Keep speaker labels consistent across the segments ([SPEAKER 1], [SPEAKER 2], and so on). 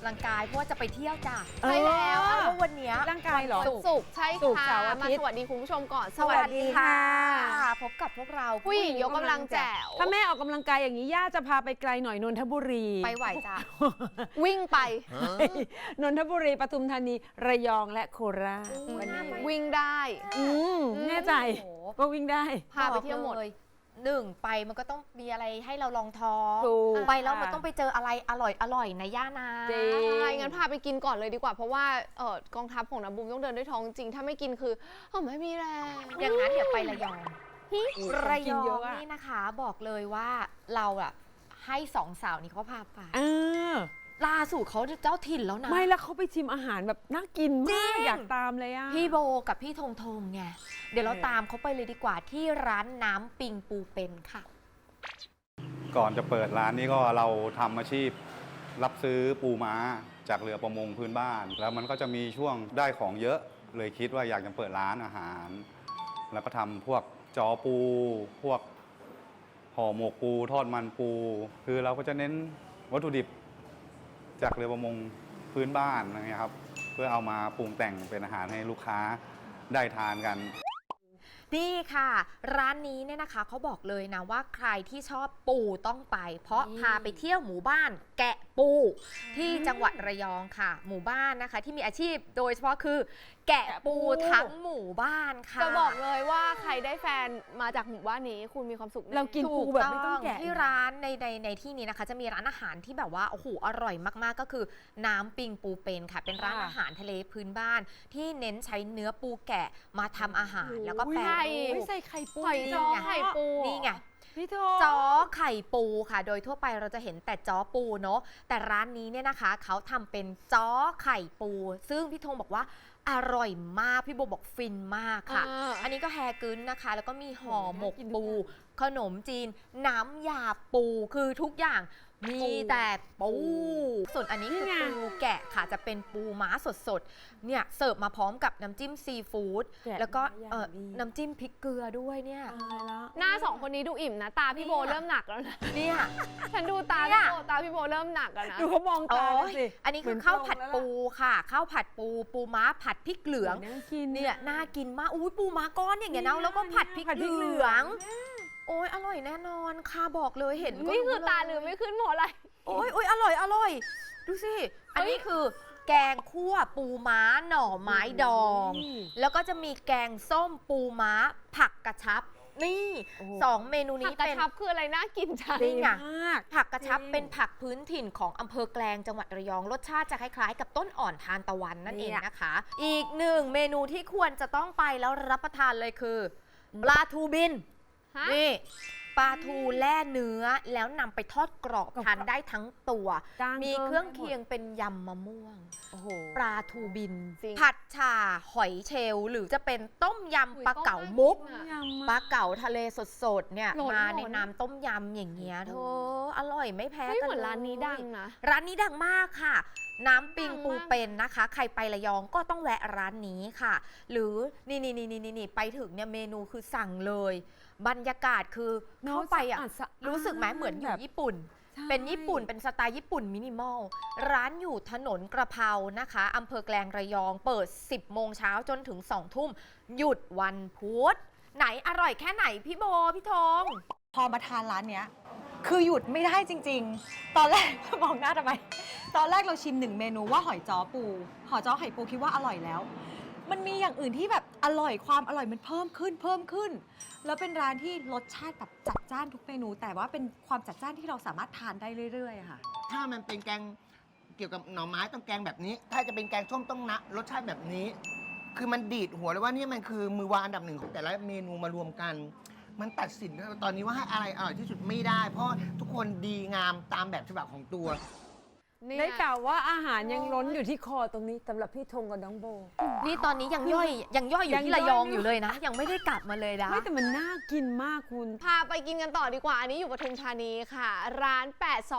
[SPEAKER 1] ลังกายเพราะว่าจะไปเที่ยวจ้ะ
[SPEAKER 2] ใช่แล้ว
[SPEAKER 1] เพราะวันเนี้ย
[SPEAKER 2] ร่างกายเหรอ
[SPEAKER 3] ศุกร์ใช่
[SPEAKER 2] ศุกร์
[SPEAKER 3] ค่ะ
[SPEAKER 2] เสาร์อาทิ
[SPEAKER 3] มา
[SPEAKER 2] ตย์
[SPEAKER 3] สวัสดีคุณผู้ชมก่อน
[SPEAKER 1] สวัสดีค่ะ พบกับพวกเรา
[SPEAKER 3] ผู้หญิงยกกำลังแจ๋ว
[SPEAKER 2] ถ้าแม่ออกกำลังกายอย่างนี้ย่าจะพาไปไกลหน่อยนนทบุรี
[SPEAKER 1] ไปไหวจ้ะ
[SPEAKER 3] วิ่งไป
[SPEAKER 2] นนทบุรีปทุมธานีระยองและโคราช
[SPEAKER 1] วันนี้
[SPEAKER 3] วิ่งได้
[SPEAKER 2] แน่ใจ
[SPEAKER 1] โอ้โห
[SPEAKER 2] ว่าวิ่งได้
[SPEAKER 3] พาไปเที่ยวหมด
[SPEAKER 1] บอกลหนึ่งไปมันก็ต้องมีอะไรให้เราลองท้อง
[SPEAKER 2] ถูก
[SPEAKER 1] ไปแล้วมันต้องไปเจออะไรอร่อยนะย่านา
[SPEAKER 2] จริง
[SPEAKER 3] ใช่งั้นพาไปกินก่อนเลยดีกว่า เพราะว่ากองทัพของน้ำบุ้มต้องเดินด้วยท้องจริง ถ้าไม่กินคือไม่มีแรง
[SPEAKER 1] อย่างนั้นเดี๋ยวไประยอง ระย
[SPEAKER 2] กิน
[SPEAKER 1] อ
[SPEAKER 2] เย
[SPEAKER 1] ง
[SPEAKER 2] อะอะ
[SPEAKER 1] นี่นะคะบอกเลยว่าเราอะให้สองสาวนี้เขาพาไป
[SPEAKER 2] เออ
[SPEAKER 1] ล่าสุดเขาเจ้าถิ่นแล้วนะ
[SPEAKER 2] ไม่แล้วเขาไปชิมอาหารแบบน่ากิน
[SPEAKER 1] จริ
[SPEAKER 2] มาง กอยากตามเลยอ่ะ
[SPEAKER 1] พี่โบกับพี่ธงธงไงเดี๋ยวเราตามเขาไปเลยดีกว่าที่ร้านน้ำปิงปูเป็นค่ะ
[SPEAKER 4] ก่อนจะเปิดร้านนี้ก็เราทำอาชีพรับซื้อปูม้าจากเรือประมงพื้นบ้าน แล้วมันก็จะมีช่วงได้ของเยอะเลยคิดว่าอยากจะเปิดร้านอาหาร แล้วก็ทำพวกจอปู พวกห่อหมกปูทอดมันปู คือเราก็จะเน้นวัตถุดิบจากเรือประมงพื้นบ้านอะไรเงี้ยครับเพื่อเอามาปรุงแต่งเป็นอาหารให้ลูกค้าได้ทานกัน
[SPEAKER 1] นี่ค่ะ ร้านนี้เนี่ยนะคะเขาบอกเลยนะว่าใครที่ชอบปูต้องไป เพราะพาไปเที่ยวหมู่บ้านแกะปูที่จังหวัดระยองค่ะ หมู่บ้านนะคะที่มีอาชีพโดยเฉพาะคือ แกะปูทั้งหมู่บ้านค่ะ
[SPEAKER 3] จะบอกเลยว่าใครได้แฟนมาจากหมู่บ้านนี้คุณมีความสุขแ
[SPEAKER 2] เรากินปูแบบไม่ต้องแกะ
[SPEAKER 1] ที่ร้านในที่นี้นะคะจะมีร้านอาหารที่แบบว่าโอ้โหอร่อยมากๆก็คือน้ำปิงปูเป็นค่ะ เป็นร้านอาหารทะเลพื้นบ้าน ที่เน้นใช้เนื้อปูแกะมาทำอาหารแล้วก็แปร
[SPEAKER 3] ใช่
[SPEAKER 1] รู
[SPEAKER 2] ไม่
[SPEAKER 1] ป
[SPEAKER 2] ใส่ไข่ปู
[SPEAKER 3] หอยจ้อ
[SPEAKER 1] นี่ไง
[SPEAKER 3] ไข่ปู
[SPEAKER 1] นี่ไง
[SPEAKER 2] พี่โท
[SPEAKER 1] จ้อไข่ปูค่ะ โดยทั่วไปเราจะเห็นแต่จ้อปูเนาะแต่ร้านนี้เนี่ยนะคะเขาทำเป็นจ้อไข่ปู ซึ่งพี่ธงบอกว่าอร่อยมากพี่โบบอกฟินมากค่ะ อันนี้ก็แฮกึ้นนะคะ แล้วก็มีห่อหมกปู ขนมจีน น้ำยาปูคือทุกอย่างมีแต่ปูส่วนอันนี้คือปูแกะค่ะจะเป็นปูม้าสดๆเนี่ยเสิร์ฟมาพร้อมกับน้ำจิ้มซีฟู้ดแล้วก็น้ำจิ้มพริกเกลือด้วยเนี่ย
[SPEAKER 2] ตายแล้ว
[SPEAKER 3] หน้าสองคนนี้ดูอิ่มนะ ตาพี่โบเริ่มหนักแล้วนะ
[SPEAKER 1] เนี่ย
[SPEAKER 3] ฉันดูตา
[SPEAKER 1] เนี่
[SPEAKER 3] พี่
[SPEAKER 1] ย
[SPEAKER 3] โบตาพี่โบเริ่มหนักแล้วนะ
[SPEAKER 2] ดูเขามองตา
[SPEAKER 1] โอ้ย
[SPEAKER 2] สิ
[SPEAKER 1] อันนี้คือข้าวผัดปูค่ะข้าวผัดปูปูม้าผัดพริกเหลือง
[SPEAKER 2] น่ากิน
[SPEAKER 1] เนี่ยน่ากินมากอุ้ยปูม้าก้อนอย่างเงี้ยนะแล้วก็ผัดพริกเหลือง โอ้ยอร่อยแน่นอนค่ะบอกเลยเห็นก็
[SPEAKER 3] นี่คือ
[SPEAKER 1] รู้
[SPEAKER 3] ตาลืมไม่ขึ้นเพราะอะไร
[SPEAKER 1] โอ้ยอร่อยดูสิอันนี้คือแกงคั่วปูม้าหน่อไม้ดอง แล้วก็จะมีแกงส้มปูม้าผักกระชับนี่
[SPEAKER 2] โอ้โห
[SPEAKER 1] สองเมนู
[SPEAKER 3] ผั
[SPEAKER 1] นี้
[SPEAKER 3] กกระ
[SPEAKER 1] เป็น
[SPEAKER 3] ชับคืออะไรน่ากินจัง
[SPEAKER 1] นี่ไง
[SPEAKER 2] มาก
[SPEAKER 1] ผักกระชับ
[SPEAKER 2] จริง
[SPEAKER 1] เป็นผักพื้นถิ่นของอำเภอแกลงจังหวัดระยองรสชาติจะคล้ายๆ กับต้นอ่อนทานตะวันนั่นเองนะคะ อีกหนึ่งเมนูที่ควรจะต้องไปแล้วรับประทานเลยคือปลาทูบิน
[SPEAKER 3] ฮะ
[SPEAKER 1] นี่ปลาทูแล่เนื้อแล้วนำไปทอดกรอบทานได้ทั้งตัว
[SPEAKER 2] จ้าง
[SPEAKER 1] มี
[SPEAKER 2] พิ่
[SPEAKER 1] เครื่องเคียงเป็นยำมะม่วง
[SPEAKER 2] โอ้โห
[SPEAKER 1] ปลาทูบิน
[SPEAKER 3] จริง
[SPEAKER 1] ผัดฉ่าหอยเชลล์หรือจะเป็นต้มยำปลาเก๋ามุก
[SPEAKER 2] ยำ
[SPEAKER 1] ป
[SPEAKER 2] มา
[SPEAKER 1] ลาเก๋าทะเลสดๆเนี่ย
[SPEAKER 3] หล่น
[SPEAKER 1] มา
[SPEAKER 3] หล่น
[SPEAKER 1] ในน้ำต้มยำอย่างเงี้ยเธออร่อยไม่แพ้
[SPEAKER 3] เฮ้ย
[SPEAKER 1] กัน
[SPEAKER 3] เหมือน
[SPEAKER 1] เลย
[SPEAKER 3] ร้านนี้ดังนะ
[SPEAKER 1] ร้านนี้ดังมากค่ะ น้ำปิงปู
[SPEAKER 3] ดังมาก
[SPEAKER 1] เป็นนะคะ ใครไประยองก็ต้องแวะร้านนี้ค่ะ หรือนี่ไปถึงเนี่ยเมนูคือสั่งเลย บรรยากาศคือเข้าไปอ่ะ
[SPEAKER 2] สะอาด
[SPEAKER 1] รู้สึกไหมเหมือนอยู่
[SPEAKER 2] แบบ
[SPEAKER 1] ญี่ปุ่น
[SPEAKER 2] ใช่
[SPEAKER 1] เป็นญี่ปุ่นเป็นสไตล์ญี่ปุ่นมินิมอล ร้านอยู่ถนนกระเพรานะคะอำเภอแกลงระยองเปิด 10 โมงเช้าจนถึง 2 ทุ่ม หยุดวันพุธไหนอร่อยแค่ไหนพี่โบพี่ธง
[SPEAKER 5] พอมาทานร้านเนี้ยคือหยุดไม่ได้จริง ๆ ตอนแรก มองหน้าทำไม ตอนแรกเราชิม1 เมนูว่าหอยจ้อปู หอยจ้อไข่ปูคิดว่าอร่อยแล้ว มันมีอย่างอื่นที่แบบอร่อยความอร่อยมันเพิ่มขึ้น แล้วเป็นร้านที่รสชาติแบบจัดจ้านทุกเมนู แต่ว่าเป็นความจัดจ้านที่เราสามารถทานได้เรื่อยๆอะค่ะ
[SPEAKER 6] ถ้ามันเป็นแกงเกี่ยวกับหน่อไม้ต้องแกงแบบนี้ ถ้าจะเป็นแกงส้มต้องนะรสชาติแบบนี้ คือมันดีดหัวเลยว่านี่มันคือมือวางอันดับหนึ่งของแต่ละเมนูมารวมกัน มันตัดสินตอนนี้ว่าให้อะไรอร่อยที่สุดไม่ได้ เพราะทุกคนดีงามตามแบบฉบับของตัว
[SPEAKER 2] ได้กล่าวว่าอาหารยังล้นอยู่ที่คอตรงนี้สำหรับพี่ธงกับน้องโบ
[SPEAKER 1] นี่ตอนนี้ยังย่อยอยู่
[SPEAKER 2] ยัง
[SPEAKER 1] ที่
[SPEAKER 2] ย่
[SPEAKER 1] ระ
[SPEAKER 2] อย
[SPEAKER 1] ยอง
[SPEAKER 2] อยู่
[SPEAKER 1] อยู่เลยนะ ยังไม่ได้กลับมาเลยนะ
[SPEAKER 2] ไม่แต่มันน่ากินมากคุณ
[SPEAKER 3] พาไปกินกันต่อดีกว่า อันนี้อยู่ปทุมธานีค่ะ ร้าน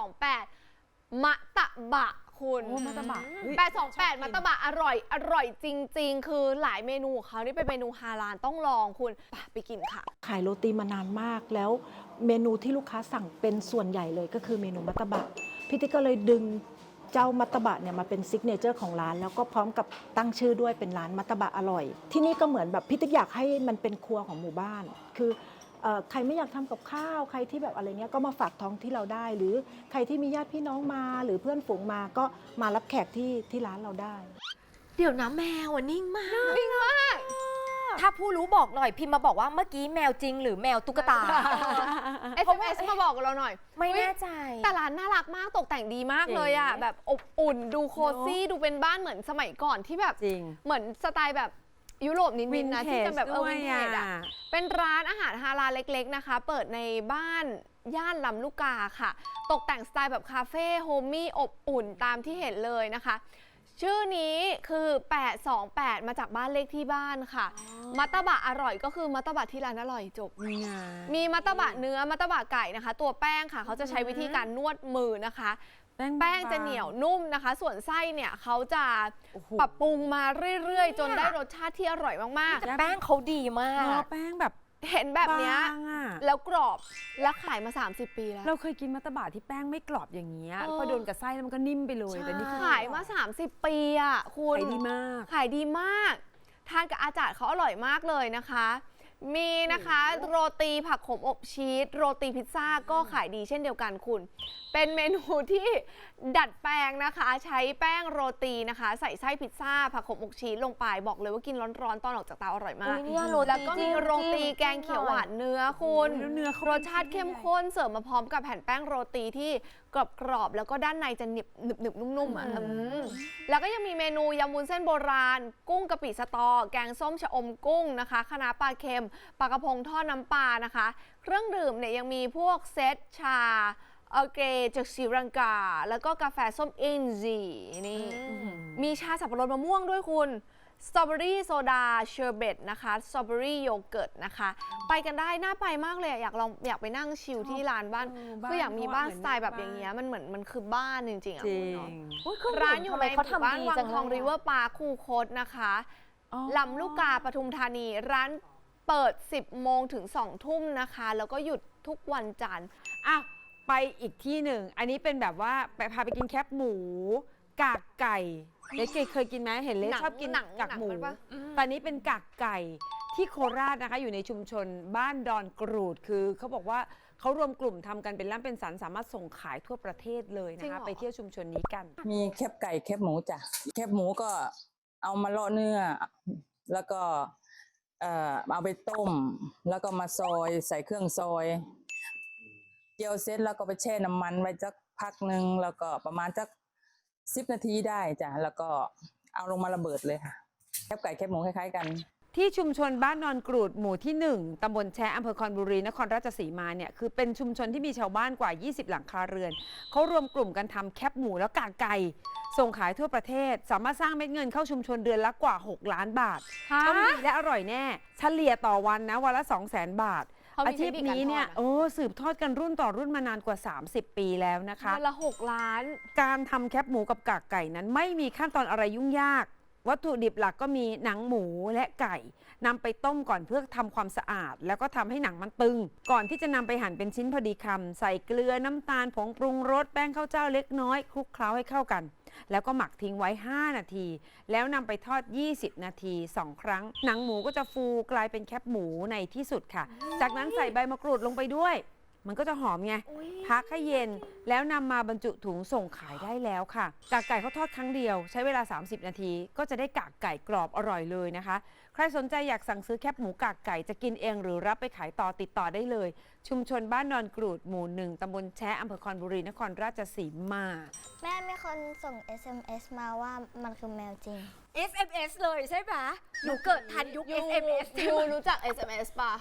[SPEAKER 3] 828 มะตะบะคุณ
[SPEAKER 2] โอ้มะตะบะเฮ้ย
[SPEAKER 3] 828 มะตะบะอร่อยจริง ๆ คือหลายเมนูของเขานี่เป็นเมนูฮาลาลต้องลองคุณไปกินค่ะ
[SPEAKER 7] ขายโรตีมานานมากแล้วเมนูที่ลูกค้าสั่งเป็นส่วนใหญ่เลยก็คือเมนูมัตตบะพี่ติ๊กก็เลยดึงเจ้ามัตตบะเนี่ยมาเป็นซิกเนเจอร์ของร้านแล้วก็พร้อมกับตั้งชื่อด้วยเป็นร้านมัตตบะอร่อย ที่นี่ก็เหมือนแบบพี่ติ๊กอยากให้มันเป็นครัวของหมู่บ้าน คือใครไม่อยากทำกับข้าวใครที่แบบอะไรเงี้ยก็มาฝากท้องที่เราได้ หรือใครที่มีญาติพี่น้องมาหรือเพื่อนฝูงมาก็มารับแขกที่ร้านเราได้
[SPEAKER 1] เดี๋ยวนะแมวอะนิ่งมาก ถ้าผู้รู้บอกหน่อยพิมพ์มาบอกว่าเมื่อกี้แมวจริงหรือแมวตุ๊กตา
[SPEAKER 3] SMS มาบอกเราหน่อย
[SPEAKER 1] ไม่แน่ใจ
[SPEAKER 3] แต่ร้านน่ารักมากตกแต่งดีมากเลยอ่ะ
[SPEAKER 2] เจ๋ง
[SPEAKER 3] แบบอบอุ่นดูโคซี่ดูเป็นบ้านเหมือนสมัยก่อนที่แบบ
[SPEAKER 2] จริง
[SPEAKER 3] เหมือนสไตล์แบบยุโรปนิดๆนะที่จะแบบวินเทจอ่ะเป็นร้านอาหารฮาลาลเล็กๆนะคะ เปิดในบ้านย่านลำลูกกาค่ะ ตกแต่งสไตล์แบบคาเฟ่โฮมมี่อบอุ่นตามที่เห็นเลยนะคะ ชื่อนี้คือ 828 มาจากบ้านเลขที่บ้านค่ะ มัตตบะอร่อยก็คือมัตตบะที่ร้านอร่อยจบ
[SPEAKER 2] นี่ไง
[SPEAKER 3] มีมัตตบะเนื้อมัตตบะไก่นะคะ ตัวแป้งค่ะเขาจะใช้วิธีการนวดมือนะคะ แป้งจะเหนียวนุ่มนะคะ ส่วนไส้เนี่ยเขาจะ
[SPEAKER 2] โอ้โห
[SPEAKER 3] ปรับปรุงมาเรื่อยๆ จนได้รสชาติที่อร่อยมาก
[SPEAKER 1] แต่แป้งเขาดีมา
[SPEAKER 2] เนื้อก แป้งแบบ
[SPEAKER 3] ๆ เห็นแบบเนี้ย
[SPEAKER 2] บางอะ
[SPEAKER 3] แล้วกรอบแล้วขายมา 30 ปีแล้ว
[SPEAKER 2] เราเคยกินมัตตบะที่แป้งไม่กรอบอย่างเงี้ย
[SPEAKER 3] เออ
[SPEAKER 2] พอโดนกับไส้แล้วมันก็นิ่มไปเลยแต่นี่คือ
[SPEAKER 3] ขายมา 30 ปีอ่ะคุณ
[SPEAKER 2] ขายดีมาก
[SPEAKER 3] ขายดีมาก ทานกับอาจารย์เขาอร่อยมากเลยนะคะ มีนะคะโรตีผักขมอบชีสโรตีพิซซ่าก็ขายดีเช่นเดียวกันคุณ เป็นเมนูที่ดัดแปลงนะคะ ใช้แป้งโรตีนะคะ ใส่ไส้พิซซ่าผักขมอบชีสลงไปบอกเลยว่ากินร้อนๆตอนออกจากเตาอร่อยมาก
[SPEAKER 1] อุ๊ยเนี่ยโรตี
[SPEAKER 3] แล้วก็มีโรตี
[SPEAKER 1] จิ้ม
[SPEAKER 3] แกงเขียวหวานเนื้อคุณ
[SPEAKER 2] แล้วเนื้อเขา
[SPEAKER 3] รสชาติเข้มข้นเสิร์ฟมาพร้อมกับแผ่นแป้งโรตีที่กรอบๆแล้วก็ด้านในจะหนึบนุ่มๆอ่ะแล้วก็ยังมีเมนูยำวุ้นเส้นโบราณ กุ้งกะปิสตอ แกงส้มชะอมกุ้งนะคะคะน้าปลาเค็มปลากระพงทอดน้ำปลานะคะ เครื่องดื่มเนี่ยยังมีพวกเซตชาเกรจากศรีลังกา แล้วก็กาแฟส้มอินซีนี่มีชาสับปะรดมะม่วงด้วยคุณ สตรอเบอรี่โซดาเชอร์เบตนะคะสตรอเบอรี่โยเกิร์ตนะคะ ไปกันได้น่าไปมากเลยอะอยากไปนั่งชิลที่ร้านบ้านคืออยากมีบ้านสไตล์แบบอย่างเงี้ยมันเหมือนมันคือบ้านจริงๆอะ
[SPEAKER 2] จริ
[SPEAKER 3] คุณ
[SPEAKER 2] ง
[SPEAKER 3] เนาะร้านอยู่ในห
[SPEAKER 1] เขา
[SPEAKER 3] มู่บ้าน
[SPEAKER 1] ทำดี
[SPEAKER 3] วัง
[SPEAKER 1] จัง
[SPEAKER 3] ทอง
[SPEAKER 1] เลย
[SPEAKER 3] ริเวอร์ปาร์คคูคตนะคะ
[SPEAKER 2] อ๋อ
[SPEAKER 3] ลำลูกกาปทุมธานีร้านเปิด 10 โมงถึง 2 ทุ่มนะคะ แล้วก็หยุดทุกวันจันทร์
[SPEAKER 2] อ่ะไปอีกที่หนึ่ง อันนี้เป็นแบบว่าไปพาไปกินแคบหมู กากไก่เล็กเคยกินไหมเห็นเล็กชอบกินกากหมู
[SPEAKER 3] หนังมันปะ
[SPEAKER 2] ตอนนี้เป็นกากไก่ที่โคราชนะคะ อยู่ในชุมชนบ้านดอนกรูดคือเขาบอกว่าเขารวมกลุ่มทำกันเป็นร่ำเป็นสันสามารถส่งขายทั่วประเทศเลย
[SPEAKER 3] จริ
[SPEAKER 2] นะ
[SPEAKER 3] งเหร
[SPEAKER 2] คะ
[SPEAKER 3] อ
[SPEAKER 2] ไปเที่ยวชุมชนนี้กัน
[SPEAKER 8] มีแคบไก่แคบหมูจ้ะแคบหมูก็เอามาเลาะเนื้อ แล้วก็เอาไปต้ม แล้วก็มาซอยใส่เครื่องซอยเจียวเสร็จแล้วก็ไปแช่น้ำมันไว้สักพักหนึ่งแล้วก็ประมาณสัก10 นาทีได้จ้ะแล้วก็เอาลงมาระเบิดเลยค่ะแคบไก่แคบหมูคล้ายๆกัน
[SPEAKER 2] ที่ชุมชนบ้านนอนกรูดหมู่ที่ 1 ตำบลแชอำเภอคอนบุรีนครราชสีมาเนี่ยคือเป็นชุมชนที่มีชาวบ้านกว่า 20 หลังคาเรือนเขารวมกลุ่มกันทำแคบหมูและกากไก่ส่งขายทั่วประเทศ สามารถสร้างเม็ดเงินเข้าชุมชนเดือนละกว่า 6 ล้านบาทต้องดีและอร่อยแน่ เฉลี่ยต่อวันนะวันละ 200,000 บาท
[SPEAKER 3] เขามี
[SPEAKER 2] อาชีพนี้เนี่ย
[SPEAKER 3] เทคนิคการทอดอะ
[SPEAKER 2] สืบทอดกันรุ่นต่อรุ่นมานานกว่า 30 ปีแล้วนะคะ
[SPEAKER 3] วันละ 6 ล้าน
[SPEAKER 2] การทำแคบหมูกับกากไก่นั้นไม่มีขั้นตอนอะไรยุ่งยาก วัตถุดิบหลักก็มีหนังหมูและไก่นำไปต้มก่อนเพื่อทำความสะอาด แล้วก็ทำให้หนังมันตึง ก่อนที่จะนำไปหั่นเป็นชิ้นพอดีคำใส่เกลือน้ำตาลผงปรุงรสแป้งข้าวเจ้าเล็กน้อยคลุกเคล้าให้เข้ากัน แล้วก็หมักทิ้งไว้ 5 นาที แล้วนำไปทอด 20 นาที 2 ครั้ง หนังหมูก็จะฟูกลายเป็นแคบหมูในที่สุดค่ะ จากนั้นใส่ใบมะกรูดลงไปด้วย มันก็จะหอมไง พักให้เย็นแล้วนำมาบรรจุถุงส่งขายได้แล้วค่ะ กากไก่เขาทอดครั้งเดียวใช้เวลา 30 นาที ก็จะได้กากไก่กรอบอร่อยเลยนะคะ ใครสนใจอยากสั่งซื้อแคบหมูกากไก่จะกินเองหรือรับไปขายต่อติดต่อได้เลย ชุมชนบ้านนอนกรูดหมู่ 1 ตำบลแชอำเภอคอนบุรีนครราชสีมา
[SPEAKER 9] แม่มีคนส่ง SMS มาว่ามันคือแมวจริง
[SPEAKER 1] SMS เลยใช่ไหมหนูเกิดทันยุค SMS
[SPEAKER 3] ยูรู้จัก SMS ป่ะ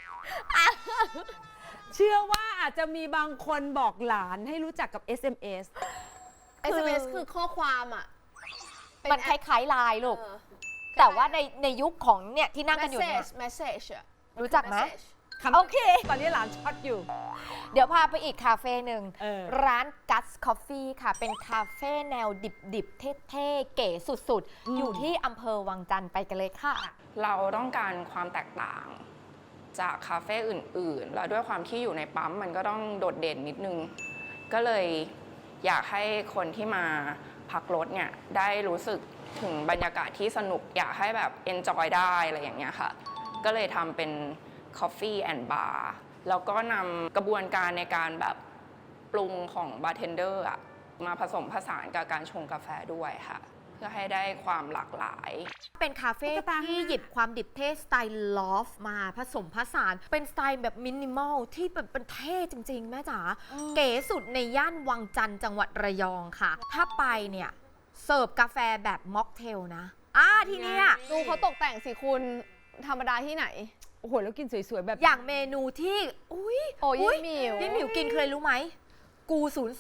[SPEAKER 2] เชื่อว่าอาจจะมีบางคนบอกหลานให้รู้จักกับ SMS
[SPEAKER 3] SMS คือข้อความอ่ะ
[SPEAKER 1] มันคล้ายๆไลน์ลูก
[SPEAKER 3] เออ
[SPEAKER 1] แต่ว่าในยุคของเนี่ยที่นั่งกันอยู่เนี่ย
[SPEAKER 3] message อะ
[SPEAKER 1] รู้จักไหม
[SPEAKER 3] message
[SPEAKER 1] โอเค
[SPEAKER 2] ตอนนี้หลานช็อตอยู่
[SPEAKER 1] เดี๋ยวพาไปอีกคาเฟ่หนึ่ง
[SPEAKER 2] เออ
[SPEAKER 1] ร้าน Guts Coffee ค่ะ เป็นคาเฟ่แนวดิบๆ เท่ๆ เก๋สุดๆ อยู่ที่อำเภอวังจันทร์ไปกันเลยค่ะ
[SPEAKER 10] เราต้องการความแตกต่างจากคาเฟ่อื่นๆ แล้วด้วยความที่อยู่ในปั๊มมันก็ต้องโดดเด่นนิดนึง ก็เลยอยากให้คนที่มาพักรถเนี่ยได้รู้สึกถึงบรรยากาศที่สนุกอยากให้แบบ enjoy ได้อะไรอย่างเงี้ยค่ะก็เลยทำเป็น coffee and bar แล้วก็นำกระบวนการในการแบบปรุงของบาร์เทนเดอร์มาผสมผสานกับการชงกาแฟด้วยค่ะเพื่อให้ได้ความหลากหลาย
[SPEAKER 1] เป็นคาเฟ่ที่หยิบความดิบเท่สไตล์ลอฟมาผสมผสานเป็นสไตล์แบบมินิมอลที่เป็นเท่จริงๆ แม่จ๋าเก๋สุดในย่านวังจันทร์จังหวัดระยองค่ะ ถ้าไปเนี่ยเสิร์ฟกาแฟแบบม็อกเทลนะที่เนี้ย
[SPEAKER 3] ดูเขาตกแต่งสิคุณธรรมดาที่ไหน
[SPEAKER 2] โอ้โห แล้วกินสวยๆ แบบ
[SPEAKER 1] อย่างเมนูที่อุ้ย
[SPEAKER 3] โอ้ยยายหมิว
[SPEAKER 1] พี่หมิวกินเคยรู้ไหมกู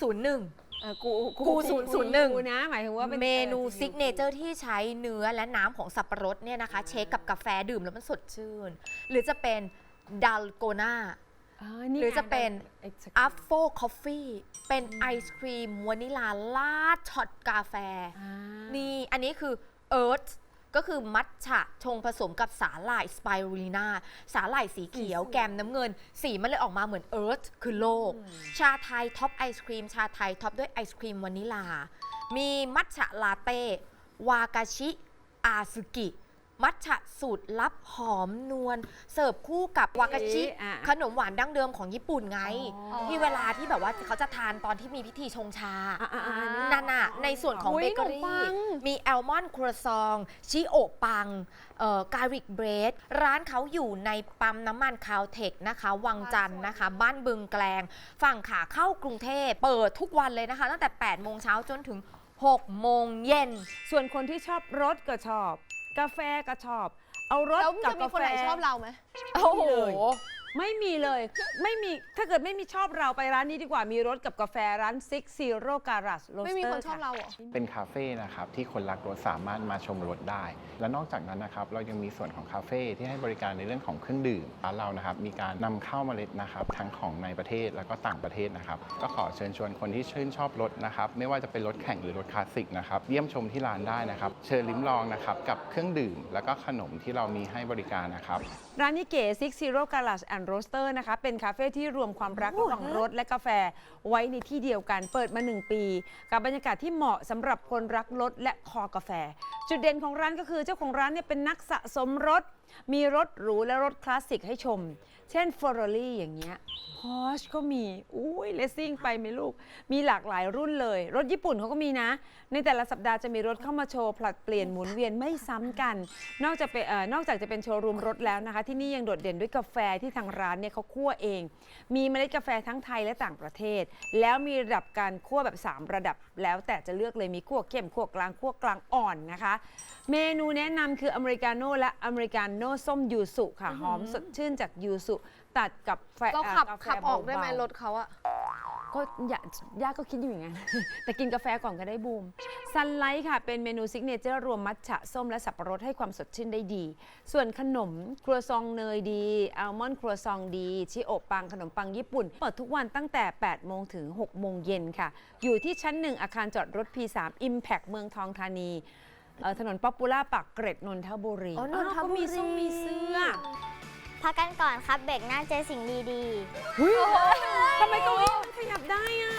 [SPEAKER 1] 001
[SPEAKER 2] กู
[SPEAKER 1] 001
[SPEAKER 2] นะ หมายถึงว่าเป็น
[SPEAKER 1] เมนูซิกเนเจอร์ที่ใช้เนื้อและน้ำของสับปะรดเนี่ยนะคะ เชคกับกาแฟดื่มแล้วมันสดชื่น หรือจะเป็นดัลโกนาหรือจะเป็นอัฟโฟคอฟฟี่เป็นไอศครีมวานิลาลาดช็อตกาแฟ นี่อันนี้คือเอิร์ธก็คือมัทฉะชงผสมกับสาหร่ายสไปรูลิน่าสาหร่ายสีเขียวแกมน้ำเงิน สีมันเลยออกมาเหมือนเอิร์ธคือโลก ชาไทยท็อปไอศครีมชาไทยท็อปด้วยไอศครีมวานิลา มีมัทฉะลาเต้วากาชิอาซึกิ มัทฉะสูตรลับหอมนวลเสิร์ฟคู่กับวากาชิขนมหวานดั้งเดิมของญี่ปุ่นไง ที่เวลาที่แบบว่าเขาจะทานตอนที่มีพิธีชงชานั่นน่ะในส่วนของ
[SPEAKER 3] อุ๊
[SPEAKER 1] เบ
[SPEAKER 3] ย
[SPEAKER 1] เกอ
[SPEAKER 3] ขนมปั
[SPEAKER 1] รี่
[SPEAKER 3] ง
[SPEAKER 1] มีแอลมอนด์ครัวซองชิโอะปังการิกเบรดร้านเขาอยู่ในปั๊มน้ำมันคาวเทคนะคะวังจันทร์นะคะ บ้านบึงแกลงฝั่งขาเข้ากรุงเทพเปิดทุกวันเลยนะคะ ตั้งแต่ 8 โมงเช้าจนถึง 6 โมงเย็น
[SPEAKER 2] ส่วนคนที่ชอบรสก็ชอบ กาแฟก็ชอบ เอารส
[SPEAKER 3] แล้ว
[SPEAKER 2] กับ
[SPEAKER 3] จะมี
[SPEAKER 2] กา
[SPEAKER 3] คน
[SPEAKER 2] แฟ
[SPEAKER 3] ไหนชอบเราไหม
[SPEAKER 1] โอ้โห
[SPEAKER 2] ไม่มีเลย ไม่มี ถ้าเกิดไม่มีชอบเราไปร้านนี้ดีกว่า มีรสกับกาแฟร้าน Six Zero Garage Roaster
[SPEAKER 3] ไม่มีคนชอบเราเหรอ
[SPEAKER 11] เป็นคาเฟ่นะครับที่คนรักรถสามารถมาชมรถได้ และนอกจากนั้นนะครับเรายังมีส่วนของคาเฟ่ที่ให้บริการในเรื่องของเครื่องดื่มร้านเรานะครับมีการนำเข้าเมล็ดนะครับทั้งของในประเทศแล้วก็ต่างประเทศนะครับก็ขอเชิญชวนคนที่ชื่นชอบรถนะครับไม่ว่าจะเป็นรถแข่งหรือรถคลาสสิกนะครับเยี่ยมชมที่ร้านได้นะครับเชิญลิ้มลองนะครับกับเครื่องดื่มแล้วก็ขนมที่เรามีให้บริการนะครับ
[SPEAKER 2] ร้านนี้เก๋ Six Zero Garage and Roaster นะคะเป็นคาเฟ่ที่รวมความรักระหว่างรถและกาแฟไว้ในที่เดียวกันเปิดมา 1 ปี กับบรรยากาศที่เหมาะสำหรับคนรักรถและคอกาแฟ จุดเด่นของร้านก็คือเจ้าของร้านเนี่ยเป็นนักสะสมรถ มีรถหรูและรถคลาสสิกให้ชม เช่น Ferrari อย่างเงี้ย Porsche ก็มีอุ้ยเลสซิ่งไปไหมลูก มีหลากหลายรุ่นเลย รถญี่ปุ่นเขาก็มีนะ ในแต่ละสัปดาห์จะมีรถเข้ามาโชว์ผลัดเปลี่ยนหมุนเวียนไม่ซ้ำกัน นอกจากจะเป็นโชว์รูมรถแล้วนะคะ ที่นี่ยังโดดเด่นด้วยกาแฟที่ทางร้านเนี่ยเขาคั่วเอง มีเมล็ดกาแฟทั้งไทยและต่างประเทศ แล้วมีระดับการคั่วแบบ 3 ระดับ แล้วแต่จะเลือกเลยมีคั่วเข้มคั่วกลางคั่วกลางอ่อนนะคะ เมนูแนะนำคืออเมริกาโน่และอเมริกาโน่ส้มยูสุค่ะหอมสดชื่นจากยูสุตัดกับแฟ
[SPEAKER 3] เราขับ
[SPEAKER 2] กาแฟ
[SPEAKER 3] ขับออกได้ไหม
[SPEAKER 2] เบาๆ
[SPEAKER 3] รถเขาอะ
[SPEAKER 2] ก็ย่าก็คิดอยู่อย่างนั้น แต่กินกาแฟก่อนก็ได้บูมซันไลท์ค่ะ เป็นเมนูซิกเนเจอร์รวมมัทฉะส้มและสับปะรดให้ความสดชื่นได้ดี ส่วนขนมครัวซองเนยดีอัลมอนด์ครัวซองดี ชิโอะปังขนมปังญี่ปุ่น เปิดทุกวันตั้งแต่ 8 โมงถึง 6 โมงเย็นค่ะ อยู่ที่ชั้น 1 อาคารจอดรถ P3 Impact เมืองทองธานีถนนป๊อปปูล่าปากเกร็ดนนทบุรี
[SPEAKER 1] อ๋อนนทบุรี
[SPEAKER 2] ก็มีส้มมีเสื้อ
[SPEAKER 9] พักกันก่อนครับเบรกหน้าเจอสิ่งดี
[SPEAKER 2] เฮ้ยทำไมตรงนี้มันขยับได้อะ